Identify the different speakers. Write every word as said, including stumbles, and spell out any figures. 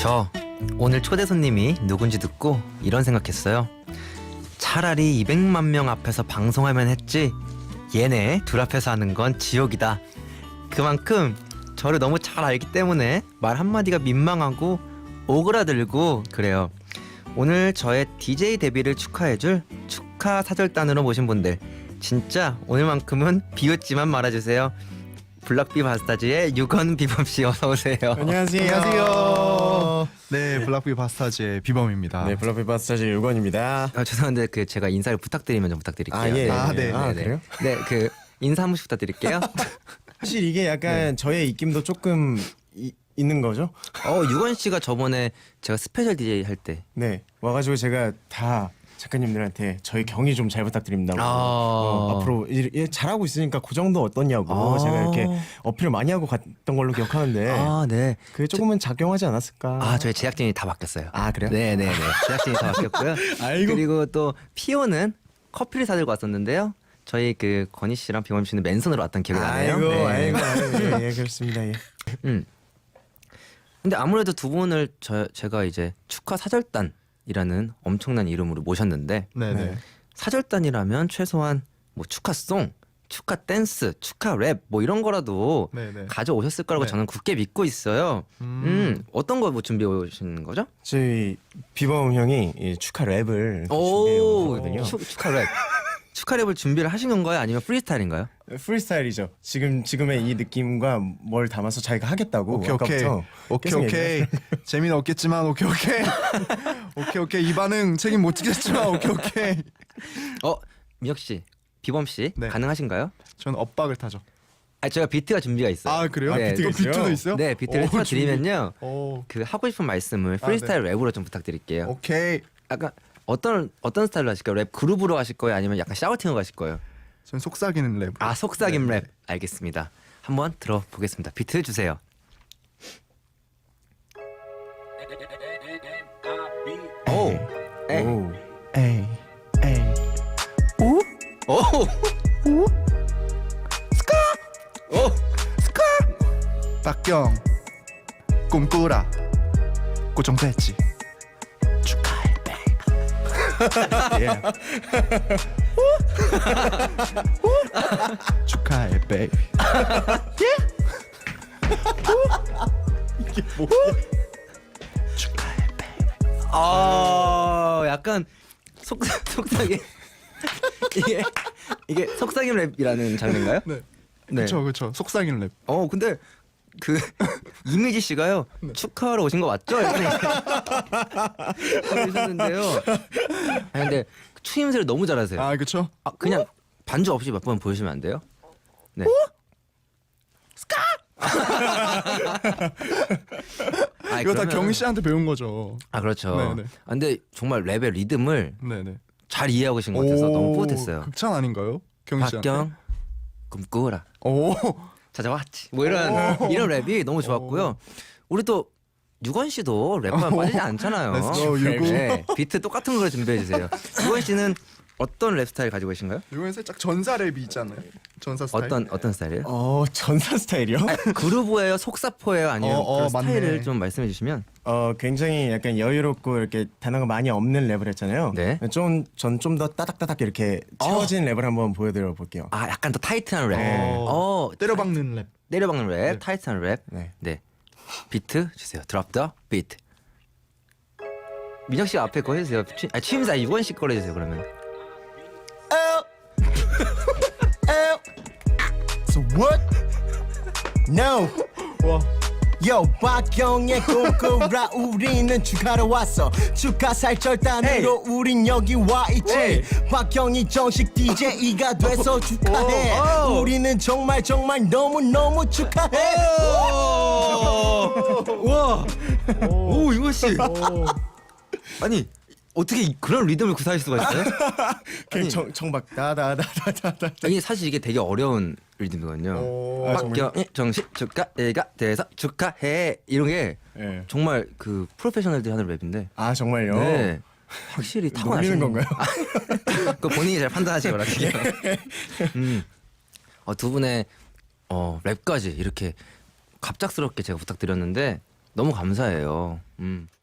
Speaker 1: 저 오늘 초대 손님이 누군지 듣고 이런 생각했어요. 차라리 이백만 명 앞에서 방송하면 했지 얘네 둘 앞에서 하는 건 지옥이다. 그만큼 저를 너무 잘 알기 때문에 말 한마디가 민망하고 오그라들고 그래요. 오늘 저의 디제이 데뷔를 축하해줄 축하 사절단으로 모신 분들 진짜 오늘만큼은 비웃지만 말아주세요. 블락비 바스타즈의 유건 비범씨 어서오세요.
Speaker 2: 안녕하세요.
Speaker 3: 안녕하세요. 네, 블락비 바스타즈의 비범입니다.
Speaker 2: 네, 블락비 바스타즈 유건입니다.
Speaker 1: 아, 죄송한데 그 제가 인사를 부탁드리면 좀 부탁드릴게요.
Speaker 2: 아, 예.
Speaker 3: 아, 네.
Speaker 2: 아,
Speaker 1: 네,
Speaker 2: 그래요?
Speaker 1: 네, 그 인사 한 번씩 부탁드릴게요.
Speaker 2: 사실 이게 약간 저의 입김도 조금 이, 있는 거죠?
Speaker 1: 어, 유건 씨가 저번에 제가 스페셜 디제이 할 때
Speaker 2: 네, 와가지고 제가 다 작가님들한테 저희 경위 좀 잘 부탁드립니다.
Speaker 1: 아.
Speaker 2: 어, 앞으로 이, 이, 잘하고 있으니까 그 정도 어떠냐고
Speaker 1: 아.
Speaker 2: 제가 이렇게 어필을 많이 하고 갔던 걸로 기억하는데
Speaker 1: 아, 네.
Speaker 2: 그게 조금은 작용하지 않았을까?
Speaker 1: 아, 저희 제작진이 다 바뀌었어요.
Speaker 2: 아, 그래요?
Speaker 1: 네, 네, 네. 제작진이 다 바뀌었고요.
Speaker 2: 아이고.
Speaker 1: 그리고 또 피오는 커피를 사들고 왔었는데요. 저희 그 건희 씨랑 비범 씨는 맨손으로 왔던 기억이 나네요.
Speaker 2: 아이고,
Speaker 1: 네.
Speaker 2: 아이고, 아이고, 예, 예, 그렇습니다. 예.
Speaker 1: 음. 근데 아무래도 두 분을 저 제가 이제 축하 사절단이라는 엄청난 이름으로 모셨는데
Speaker 3: 네, 네.
Speaker 2: 네.
Speaker 1: 사절단이라면 최소한 뭐 축하송, 축하 댄스, 축하 랩 뭐 이런 거라도
Speaker 3: 네, 네.
Speaker 1: 가져오셨을 거라고
Speaker 3: 네.
Speaker 1: 저는 굳게 믿고 있어요. 음,
Speaker 3: 음.
Speaker 1: 어떤 거 뭐 준비해 오신 거죠?
Speaker 2: 저희 비범 형이 이 축하 랩을 준비해
Speaker 1: 오,
Speaker 2: 오거든요.
Speaker 1: 축- 축하 랩. 축하 랩을 준비를 하신 건가요? 아니면 프리스타일인가요?
Speaker 2: 프리스타일이죠. 지금 지금의 이 느낌과 뭘 담아서 자기가 하겠다고.
Speaker 3: 오케이, 오케이.
Speaker 2: 아까부터
Speaker 3: 오케이,
Speaker 2: 계속
Speaker 3: 오케이.
Speaker 2: 얘기를-
Speaker 3: 재미는 없겠지만 오케이, 오케이. 오케이, 오케이. 이 반응 책임 못 지겠지만 오케이, 오케이.
Speaker 1: 어, 민혁 씨, 비범 씨
Speaker 3: 네.
Speaker 1: 가능하신가요?
Speaker 3: 저는 엇박을 타죠.
Speaker 1: 아, 제가 비트가 준비가 있어요.
Speaker 3: 아, 그래요?
Speaker 1: 네,
Speaker 3: 또
Speaker 2: 비트가
Speaker 3: 비트도
Speaker 2: 있어요?
Speaker 3: 있어요?
Speaker 1: 네, 비트를
Speaker 3: 오,
Speaker 1: 틀어드리면요.
Speaker 3: 준비. 오,
Speaker 1: 그 하고 싶은 말씀을 프리스타일 랩으로 좀 부탁드릴게요.
Speaker 3: 오케이.
Speaker 1: 약간 어떤 어떤 스타일로 하실까요? 랩 그룹으로 하실 거예요? 아니면 약간 샤우팅으로 가실 거예요?
Speaker 3: 전 속삭이는 랩.
Speaker 1: 아, 속삭임
Speaker 3: 네.
Speaker 1: 랩. 알겠습니다. 한번 들어보겠습니다. 비트 주세요. 오, 에이,
Speaker 2: 오.
Speaker 3: 에이, 에이.
Speaker 1: 오, 오, 스카, 오,
Speaker 3: 박경 꿈꾸라 고정 배지 축하해 베이비.
Speaker 2: 예.
Speaker 3: 축하해 베이비. 축하해 베이비.
Speaker 1: 아, 약간 속 속삭임 이게 이게 속삭임 랩이라는 장르인가요?
Speaker 3: 네.
Speaker 1: 네.
Speaker 3: 그렇죠, 그렇죠. 속삭이는 랩.
Speaker 1: 어, 근데 그 이미지 씨가요 축하하러 오신 거 맞죠? 이렇게 하셨는데요. 아, 근데 추임새를 너무 잘하세요.
Speaker 3: 아, 그렇죠.
Speaker 1: 아, 그냥 반주 없이 몇 번 보여주시면 안 돼요? 네. 스카! 아,
Speaker 3: 이거 다
Speaker 1: 그러면-
Speaker 3: 경희 씨한테 배운 거죠.
Speaker 1: 아, 그렇죠.
Speaker 3: 네네.
Speaker 1: 아, 근데 정말 랩의 리듬을
Speaker 3: 네네.
Speaker 1: 잘 이해하고 계신 것 같아서 너무 뿌듯했어요.
Speaker 3: 극찬 아닌가요, 경희 씨한테?
Speaker 1: 박경 꿈꾸라
Speaker 3: 오.
Speaker 1: 찾아왔지. 뭐 이런 이런 랩이 너무 좋았고요. 우리 또 유건 씨도 랩만 빠지지 않잖아요.
Speaker 3: Let's go, 유구.
Speaker 1: 네, 비트 똑같은 걸 준비해 주세요. 유건 씨는 어떤 랩 스타일 가지고 계신가요?
Speaker 3: 이건 살짝 전사 랩이 있잖아요. 전사 스타일.
Speaker 1: 어떤 어떤 스타일이에요?
Speaker 2: 어, 전사 스타일이요?
Speaker 1: 그루브예요, 속사포예요, 아니면
Speaker 3: 어, 어,
Speaker 1: 그런 스타일을
Speaker 3: 맞네.
Speaker 1: 좀 말씀해 주시면.
Speaker 2: 어, 굉장히 약간 여유롭고 이렇게 단어가 많이 없는 랩을 했잖아요.
Speaker 1: 네.
Speaker 2: 좀 전 좀 더 따닥따닥 이렇게 채워진 랩을 한번 보여드려 볼게요.
Speaker 1: 아, 약간 더 타이트한 랩.
Speaker 3: 어.
Speaker 1: 어,
Speaker 3: 때려박는 랩.
Speaker 1: 때려박는 랩, 타이트한 랩.
Speaker 2: 네.
Speaker 1: 네. 비트 주세요. 드롭 더 비트. 민혁 씨가 앞에 거 해주세요. 취, 아, 취임사 유건 씨 거로 해주세요. 그러면.
Speaker 4: So what? No.
Speaker 3: 와.
Speaker 4: Yo, 박경의 꿈꾸라 우리는 축하러 왔어. 축하 살절단으로 우린 여기 와 있지.
Speaker 1: 에이.
Speaker 4: 박경이 정식 디제이가 돼서 축하해.
Speaker 1: 오, 오.
Speaker 4: 우리는 정말 정말 너무 너무 축하해.
Speaker 1: 와. 오, 유건 씨. 아니 어떻게 그런 리듬을 구사할 수가 있어요?
Speaker 2: 그냥 정, 정박 다다다다다다.
Speaker 1: 이게 사실 이게 되게 어려운 리듬이거든요.
Speaker 3: 오.
Speaker 2: 아,
Speaker 1: 박경이 정식 축하해가 돼서 축하해 이런 게
Speaker 2: 예.
Speaker 1: 정말 그 프로페셔널들이 하는 랩인데.
Speaker 2: 아, 정말요?
Speaker 1: 네. 확실히 타고나시는
Speaker 2: 놀리는 건가요?
Speaker 1: 그 본인이 잘 판단하시기 바랄게요. 음. 어, 두 분의 어, 랩까지 이렇게 갑작스럽게 제가 부탁드렸는데 너무 감사해요. 음.